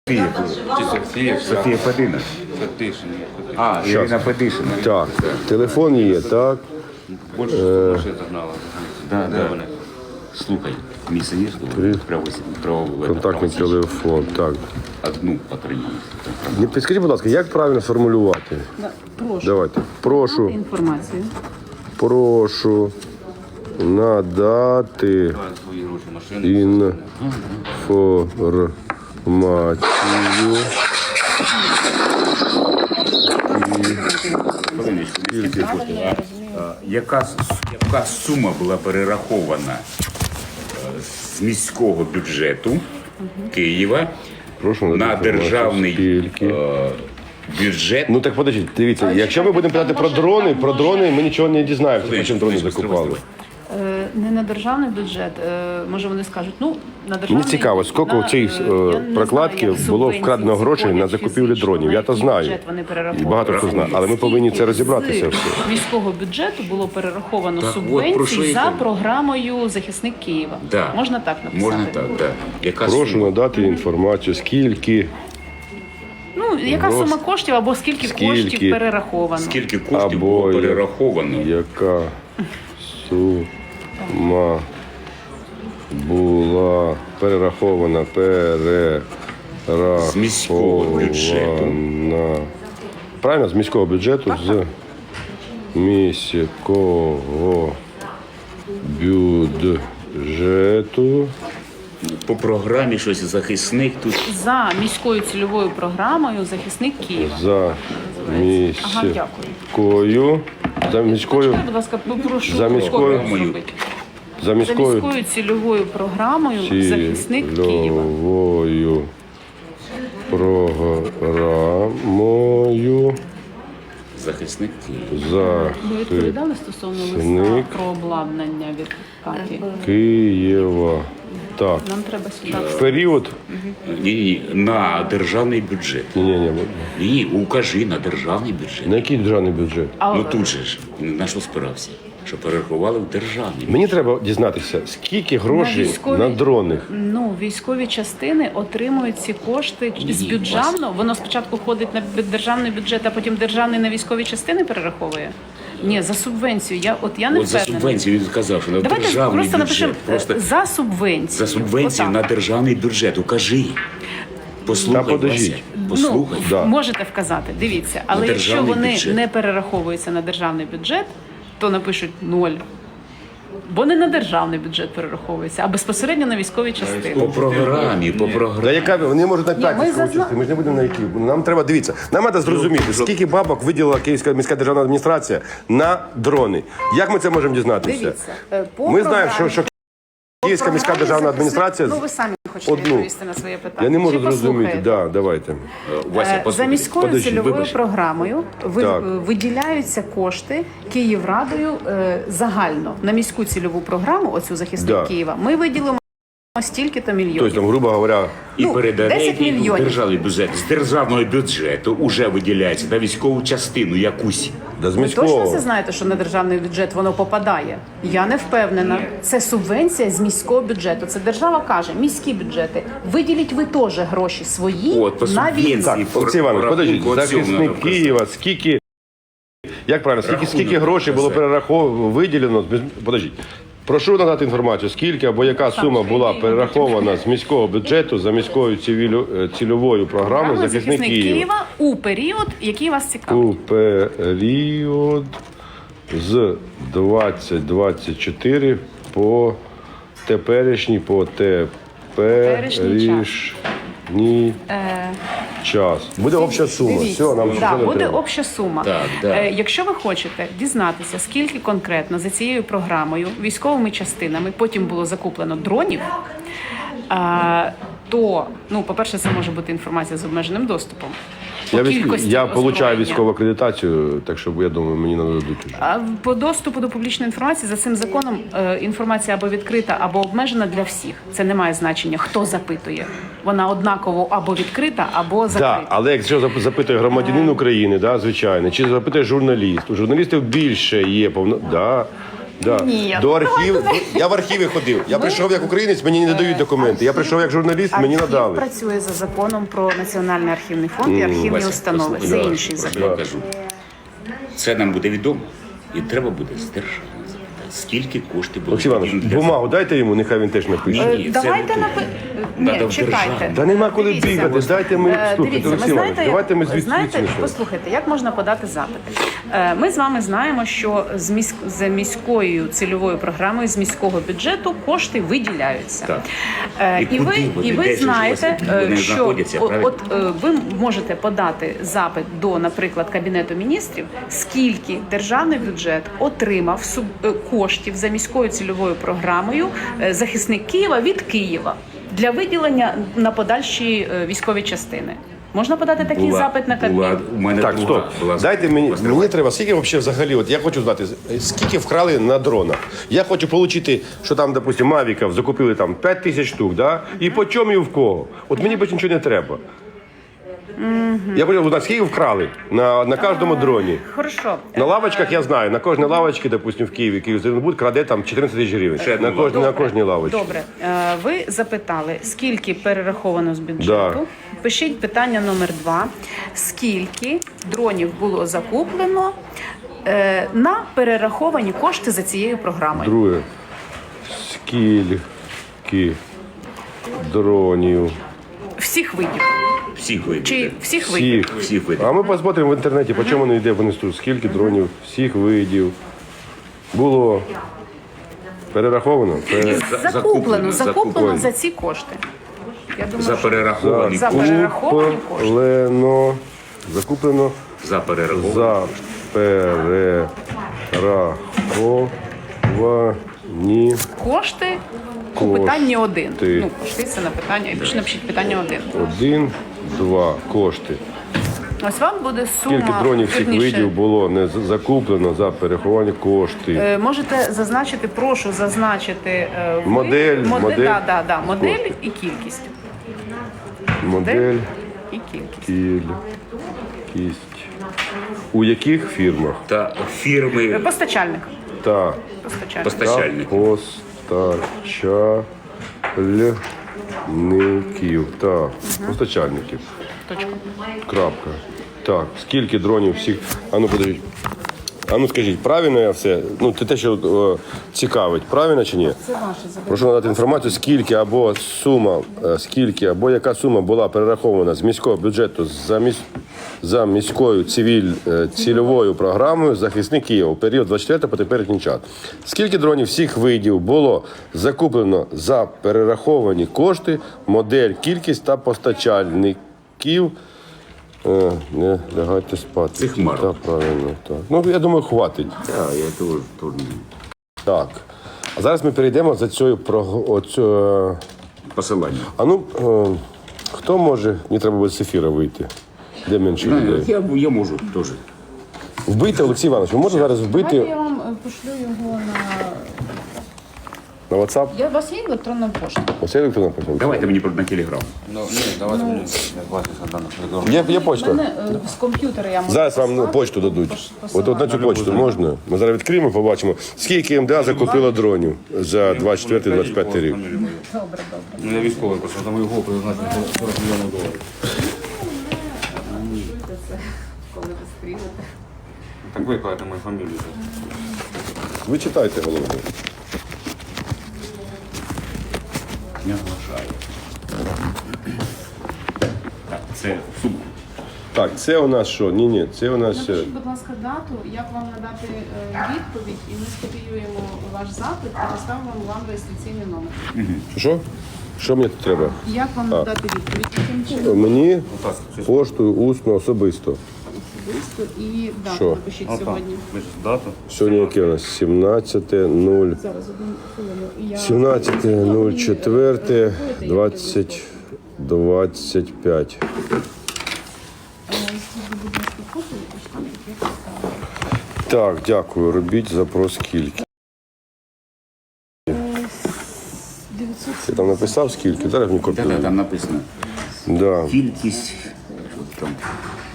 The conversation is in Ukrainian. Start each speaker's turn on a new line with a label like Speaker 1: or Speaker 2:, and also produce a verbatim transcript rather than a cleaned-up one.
Speaker 1: Чи Софія?
Speaker 2: Софія Федина.
Speaker 1: Фетишин.
Speaker 2: А, Ірина Федишина.
Speaker 3: Так, телефон є, так.
Speaker 1: Більше машин загнала.
Speaker 2: Да,
Speaker 1: Де
Speaker 2: да.
Speaker 1: вони?
Speaker 2: Слухай, місце є,
Speaker 3: При-
Speaker 2: що право, право,
Speaker 3: Контактний телефон. Так.
Speaker 2: Одну отримали.
Speaker 3: Не підскажіть, будь ласка, як правильно сформулювати?
Speaker 4: Прошу
Speaker 3: Давайте. Прошу,
Speaker 4: інформацію.
Speaker 3: прошу надати
Speaker 1: Свої гроші машини.
Speaker 3: інформацію.
Speaker 2: Хвилиночку, скільки коштує? А, а, Яка, с- яка сума була перерахована е, з міського бюджету Києва
Speaker 3: Прошу
Speaker 2: на
Speaker 3: надати
Speaker 2: державний
Speaker 3: інформацію, скільки?
Speaker 2: е, бюджет?
Speaker 3: Ну так подождіть, дивіться, якщо ми будемо питати про дрони, про дрони ми нічого не дізнаємося, по чим дрони закупали.
Speaker 4: Е, Не на державний бюджет. е, Може вони скажуть, ну на державний...
Speaker 3: Мені цікаво, скільки
Speaker 4: на,
Speaker 3: у цій
Speaker 4: е,
Speaker 3: е,
Speaker 4: я не
Speaker 3: прокладки
Speaker 4: знаю, як
Speaker 3: було
Speaker 4: субвенції
Speaker 3: вкрадено
Speaker 4: ці
Speaker 3: грошей на
Speaker 4: ходять
Speaker 3: закупівлю
Speaker 4: фізично,
Speaker 3: дронів.
Speaker 4: на
Speaker 3: Я то
Speaker 4: який
Speaker 3: знаю.
Speaker 4: бюджет вони
Speaker 3: І
Speaker 4: перераховують.
Speaker 3: багато хто знає, але ми повинні це розібратися
Speaker 4: З
Speaker 3: все.
Speaker 4: міського бюджету було перераховано
Speaker 2: Так, от, про що
Speaker 4: субвенцій
Speaker 2: я
Speaker 4: за
Speaker 2: кажу.
Speaker 4: програмою «Захисник Києва».
Speaker 2: Да.
Speaker 4: Можна так написати?
Speaker 2: Можна так, так. Яка
Speaker 3: Прошу
Speaker 2: сума?
Speaker 3: надати інформацію, скільки
Speaker 4: Ну, яка
Speaker 3: Роз-
Speaker 4: сума коштів або скільки,
Speaker 3: Скільки?
Speaker 4: коштів перераховано?
Speaker 2: Скільки коштів
Speaker 3: або
Speaker 2: було перераховано?
Speaker 3: яка сума була перерахована, перерахована.
Speaker 2: З міського бюджету.
Speaker 3: Правильно, з міського бюджету, з міського бюджету
Speaker 2: По програмі щось захисник тут.
Speaker 4: За міською цільовою програмою «Захисник Києва».
Speaker 3: за
Speaker 4: Ага, дякую.
Speaker 3: міською, за міською,
Speaker 4: Почекай, будь ласка, попрошу
Speaker 3: За міською-
Speaker 4: копію зробити.
Speaker 3: за
Speaker 4: За
Speaker 3: міською
Speaker 4: міською цільовою програмою «Захисник Києва».
Speaker 3: цільовою програмою
Speaker 2: Захисник Києва.
Speaker 4: Ви відповідали стосовно листа
Speaker 3: Захисник.
Speaker 4: про обладнання від Каті?
Speaker 3: Києва. Так.
Speaker 4: Нам треба сюди.
Speaker 3: В період.
Speaker 2: Ні, ні, на державний бюджет.
Speaker 3: Ні, ні, ні.
Speaker 2: Ні, укажи на державний бюджет.
Speaker 3: На який державний бюджет?
Speaker 4: А,
Speaker 2: Ну тут же ж на що спирався? Що перерахували в державний.
Speaker 3: Мені треба дізнатися, скільки грошей
Speaker 4: військові-
Speaker 3: на дронах.
Speaker 4: Ну, військові частини отримують ці кошти з
Speaker 2: Ні,
Speaker 4: бюджетного. Воно спочатку ходить на бю- державний бюджет, а потім державний на військові частини перераховує? Ні, за субвенцію. Я от я не
Speaker 2: От за
Speaker 4: впевнена.
Speaker 2: субвенцію він сказав, що на
Speaker 4: Давайте
Speaker 2: державний
Speaker 4: просто
Speaker 2: бюджет.
Speaker 4: напишемо
Speaker 2: Просто
Speaker 4: е, за субвенцію.
Speaker 2: за субвенцію
Speaker 4: Отак.
Speaker 2: на державний бюджет. Укажи. Послухай,
Speaker 3: Та подождіть.
Speaker 2: Вася, послухай.
Speaker 4: Ну,
Speaker 3: Да.
Speaker 4: можете вказати. Дивіться, але
Speaker 2: На
Speaker 4: якщо
Speaker 2: державний
Speaker 4: вони
Speaker 2: бюджет.
Speaker 4: не перераховуються на державний бюджет, то напишуть ноль. Бо не на державний бюджет перераховуються, а безпосередньо на військові частини.
Speaker 2: По програмі, по
Speaker 3: Та
Speaker 2: програмі.
Speaker 3: яка вони можуть на п'ять
Speaker 4: ми
Speaker 3: скручити,
Speaker 4: зазна-
Speaker 3: ми ж не будемо на які. Нам треба дивіться. Нам треба зрозуміти, скільки бабок виділила Київська міська державна адміністрація на дрони. Як ми це можемо дізнатися?
Speaker 4: Дивіться, е, по
Speaker 3: Ми знаємо, що,
Speaker 4: програмі-
Speaker 3: що Київська міська
Speaker 4: програмі
Speaker 3: державна
Speaker 4: захисник-
Speaker 3: адміністрація.
Speaker 4: Ну ви самі хочете
Speaker 3: одну.
Speaker 4: відповісти на своє питання.
Speaker 3: Я не можу
Speaker 4: Чи
Speaker 3: зрозуміти.
Speaker 4: послухаєте?
Speaker 3: Да, давайте.
Speaker 2: Вася,
Speaker 4: Е, За
Speaker 2: послухай.
Speaker 4: міською
Speaker 3: Подожди,
Speaker 4: цільовою
Speaker 3: вибач.
Speaker 4: програмою ви-
Speaker 3: Так.
Speaker 4: е, виділяються кошти Київрадою е, загально на міську цільову програму, оцю захисник
Speaker 3: Да.
Speaker 4: Києва. Ми виділимо стільки-то мільйонів.
Speaker 3: Тобто, там, грубо говоря,
Speaker 2: І
Speaker 4: Ну,
Speaker 2: передає
Speaker 4: десять
Speaker 2: їй
Speaker 4: мільйонів.
Speaker 2: державний бюджет. З державного бюджету вже виділяється на військову частину якусь.
Speaker 3: да, з
Speaker 4: Ви точно
Speaker 3: міського.
Speaker 4: це знаєте, що на державний бюджет воно попадає? Я не впевнена. Це субвенція з міського бюджету. Це держава каже, міські бюджети. Виділіть ви теж гроші свої
Speaker 2: От, по
Speaker 4: на
Speaker 2: субвенції.
Speaker 4: війну.
Speaker 3: Так, Олексій Іванович,
Speaker 2: По
Speaker 3: подождіть,
Speaker 2: рахунку цього
Speaker 3: захисник
Speaker 2: надо вказати.
Speaker 3: Києва, скільки, як правильно, скільки,
Speaker 2: Рахунок
Speaker 3: скільки грошей було
Speaker 2: вказати.
Speaker 3: перераховано, виділено, з- подождіть, прошу надати інформацію, скільки або яка сума була перерахована з міського бюджету за міською цивілю- е, цільовою програмою
Speaker 4: Програма
Speaker 3: захисник
Speaker 4: захисник
Speaker 3: Києва
Speaker 4: Києва у період, який вас цікавить.
Speaker 3: у період з двадцять двадцять чотири по теперішній, по теперішній час. Буде обща сума.
Speaker 4: Дивіться,
Speaker 3: Все, нам
Speaker 4: да,
Speaker 3: вже не
Speaker 4: буде
Speaker 3: треба.
Speaker 4: обща сума.
Speaker 2: Так, да.
Speaker 4: Е, якщо ви хочете дізнатися, скільки конкретно за цією програмою, військовими частинами, потім було закуплено дронів, е, то, ну, по-перше, це може бути інформація з обмеженим доступом. По
Speaker 3: Я, військ...
Speaker 4: кількості
Speaker 3: я получаю
Speaker 4: озброєння.
Speaker 3: військову акредитацію, так що я думаю, мені нададуть уже.
Speaker 4: А по доступу до публічної інформації за цим законом е, інформація або відкрита, або обмежена для всіх. Це не має значення, хто запитує. Вона однаково або відкрита, або закрита.
Speaker 3: Так, але якщо зап- запитує громадянин України, да, звичайно, чи запитує журналіст, у журналістів більше є повно. Да. Да.
Speaker 4: Ні.
Speaker 3: До архіву. Я в архіві ходив. Я прийшов як українець, мені не дають документи. Я прийшов як журналіст, мені
Speaker 4: Архів
Speaker 3: надали.
Speaker 4: працює за законом про Національний архівний фонд і архівні
Speaker 2: Вася,
Speaker 4: установи. Це
Speaker 2: послухай,
Speaker 4: інший
Speaker 2: що
Speaker 4: закон.
Speaker 2: я кажу. Це нам буде відомо. І треба буде з держави запитати, скільки коштів було.
Speaker 3: Олексій Іванович,
Speaker 2: потрібно для
Speaker 3: бумагу дайте йому, нехай він теж напише.
Speaker 2: Ні,
Speaker 4: Е,
Speaker 2: ні,
Speaker 4: Давайте
Speaker 2: це не
Speaker 4: напи...
Speaker 2: Надо
Speaker 4: Ні,
Speaker 2: в
Speaker 4: чекайте.
Speaker 2: державу.
Speaker 3: Та нема коли
Speaker 4: Дивіться.
Speaker 3: бігати, дайте ми,
Speaker 4: Е,
Speaker 3: слухайте,
Speaker 4: Дивіться,
Speaker 3: Олексій
Speaker 4: ви
Speaker 3: Іванович,
Speaker 4: знаєте,
Speaker 3: давайте ми звідси
Speaker 4: знаєте,
Speaker 3: почнемо.
Speaker 4: послухайте, як можна подати запити. Е, Ми з вами знаємо, що з міськ... за міською цільовою програмою, з міського бюджету кошти виділяються.
Speaker 2: Так.
Speaker 4: Е,
Speaker 2: І
Speaker 4: І
Speaker 2: куди
Speaker 4: ви,
Speaker 2: вони?
Speaker 4: і ви
Speaker 2: Де ж
Speaker 4: знаєте,
Speaker 2: вони
Speaker 4: е, що
Speaker 2: знаходяться,
Speaker 4: о-
Speaker 2: правильно?
Speaker 4: от е, ви можете подати запит до, наприклад, Кабінету міністрів, скільки державний бюджет отримав суб... е, коштів за міською цільовою програмою е, захисник Києва від Києва для виділення на подальші е, військові частини. Можна подати такий
Speaker 2: Була-
Speaker 4: запит на Кабмін?
Speaker 2: була- У мене
Speaker 3: Так,
Speaker 2: друга
Speaker 3: стоп.
Speaker 2: була
Speaker 3: Дайте мені,
Speaker 2: Острова.
Speaker 3: мені треба, скільки взагалі, взагалі, от я хочу знати, скільки вкрали на дронах. Я хочу отримати, що там, допустим, Мавіків закупили там п'ять тисяч штук, да? І по чому і в кого. От мені більше нічого не треба. Я хочу узнати, скільки вкрали на, на кожному дроні.
Speaker 4: Хорошо.
Speaker 3: На лавочках я знаю, на кожній лавочці, допустим, в Києві, Київзеленбуд краде там чотирнадцять тисяч гривень.
Speaker 2: Ще
Speaker 3: На
Speaker 2: одну
Speaker 3: кожній, на кожній лавочці.
Speaker 4: Добре. Е, Ви запитали, скільки перераховано з бюджету.
Speaker 3: Да.
Speaker 4: Пишіть питання номер два. Скільки дронів було закуплено е, на перераховані кошти за цією програмою?
Speaker 3: Друге. Скільки дронів?
Speaker 4: Всіх видів.
Speaker 2: всіх видів.
Speaker 4: Чи всіх видів?
Speaker 3: Всіх.
Speaker 2: Всіх видів.
Speaker 3: А ми посмотримо в інтернеті, по чому воно йде вниз тут, скільки дронів, всіх видів. Було перераховано. Пере-
Speaker 2: За-
Speaker 4: Закуплено, закуплено
Speaker 2: закуплено.
Speaker 4: за ці кошти. Я думаю,
Speaker 2: За
Speaker 4: що
Speaker 2: перераховані
Speaker 4: За
Speaker 2: кошти.
Speaker 4: перераховані кошти.
Speaker 3: Закуплено, закуплено
Speaker 2: За перераховані.
Speaker 3: за перераховані
Speaker 4: Кошти у
Speaker 3: Кошти.
Speaker 4: питанні один. Ну, кошти це на питання. І більше напишіть питання один.
Speaker 3: один, два кошти.
Speaker 4: Ось вам буде сума.
Speaker 3: Скільки дронів всіх
Speaker 4: вірніше,
Speaker 3: видів було не з- закуплено за перераховані кошти.
Speaker 4: е, Можете зазначити, прошу зазначити е, ви-
Speaker 3: Модель,
Speaker 4: модель,
Speaker 3: модель,
Speaker 4: да, да, да, модель
Speaker 3: кошти.
Speaker 4: і кількість.
Speaker 3: Модель,
Speaker 4: І кількість.
Speaker 3: кількість. У яких фірмах?
Speaker 2: Та
Speaker 4: Е,
Speaker 2: фірми
Speaker 4: Постачальник.
Speaker 3: Та
Speaker 4: Постачальник.
Speaker 2: постачальники.
Speaker 3: постачальників. Так, постачальників.
Speaker 4: Точка.
Speaker 3: Крапка. Так, скільки дронів всіх. Ану, подивіть. Ану, скажіть, правильно я все? Ну, це те, що о, цікавить, правильно чи ні?
Speaker 4: Це ваше запитання.
Speaker 3: Прошу надати інформацію, скільки або сума, е, скільки або яка сума була перерахована з міського бюджету за, міс... за міською цивіль... е, цільовою програмою «Захисник Києва» у період двадцять четвертого по теперішній час. Скільки дронів всіх видів було закуплено за перераховані кошти, модель, кількість та постачальників. Е, не лягайте спати.
Speaker 2: Цих марок.
Speaker 3: Так, правильно, так. Ну, я думаю, хватить.
Speaker 2: Так, я теж теж.
Speaker 3: Так. А зараз ми перейдемо за цією про оцю, е,
Speaker 2: Посилання.
Speaker 3: а ну, е, хто може, мені треба буде з ефіра вийти. Де менше людей?
Speaker 2: Я, я можу теж.
Speaker 3: Вбити, Олексій Іванович, ви можете зараз
Speaker 4: Давайте
Speaker 3: вбити
Speaker 4: я вам е, пошлю його на.
Speaker 3: на WhatsApp?
Speaker 4: Я у вас є електронна пошта?
Speaker 3: Оце електронна пошта.
Speaker 2: Давайте мені на телеграм.
Speaker 1: Ну, ні, давайте мені бачити даних регламентів.
Speaker 3: Є, є
Speaker 4: У
Speaker 3: почта.
Speaker 4: мене е, з комп'ютера я можу.
Speaker 3: Зараз вам
Speaker 4: послати.
Speaker 3: почту дадуть.
Speaker 4: Пос-
Speaker 3: От, от на цю почту можна. Ми зараз відкриємо, побачимо, скільки МДА закупило дронів за двадцять четвертий двадцять п'ятий рік.
Speaker 4: Добре, добре.
Speaker 1: Ну, я військовий, просто за мою голову призначено сорок мільйонів доларів.
Speaker 4: Коли ви стрілите.
Speaker 1: Так ви кажете мою фамілію.
Speaker 3: Ви читайте головне.
Speaker 2: Не вважаю. Так, це сума.
Speaker 3: Так, це у нас що? Ні, ні, це у нас. е,
Speaker 4: Напишіть, будь ласка, дату, як вам надати е, відповідь, і ми скопіюємо ваш запит і поставимо вам реєстраційний номер.
Speaker 3: Що? Що мені тут треба?
Speaker 4: Як вам надати відповідь? Яким чином?
Speaker 3: Мені поштою усно особисто.
Speaker 4: Особисто і дату
Speaker 3: Що?
Speaker 4: напишіть сьогодні.
Speaker 1: Ви ж дату?
Speaker 3: Сьогодні яке у нас? сімнадцяте нуль.
Speaker 4: Зараз одну хвилину. І я...
Speaker 3: сімнадцяте нуль чотири двадцять двадцять п'ять.
Speaker 4: Е, скільки, будь ласка, копії, і штамп, як я поставила.
Speaker 3: Так, дякую. Робіть запрос скільки.
Speaker 4: дев'ятсот
Speaker 3: Ти там написав скільки? Зараз мені
Speaker 2: Та-та,
Speaker 3: копію.
Speaker 2: там написано.
Speaker 3: Да.
Speaker 2: Кількість. Що там?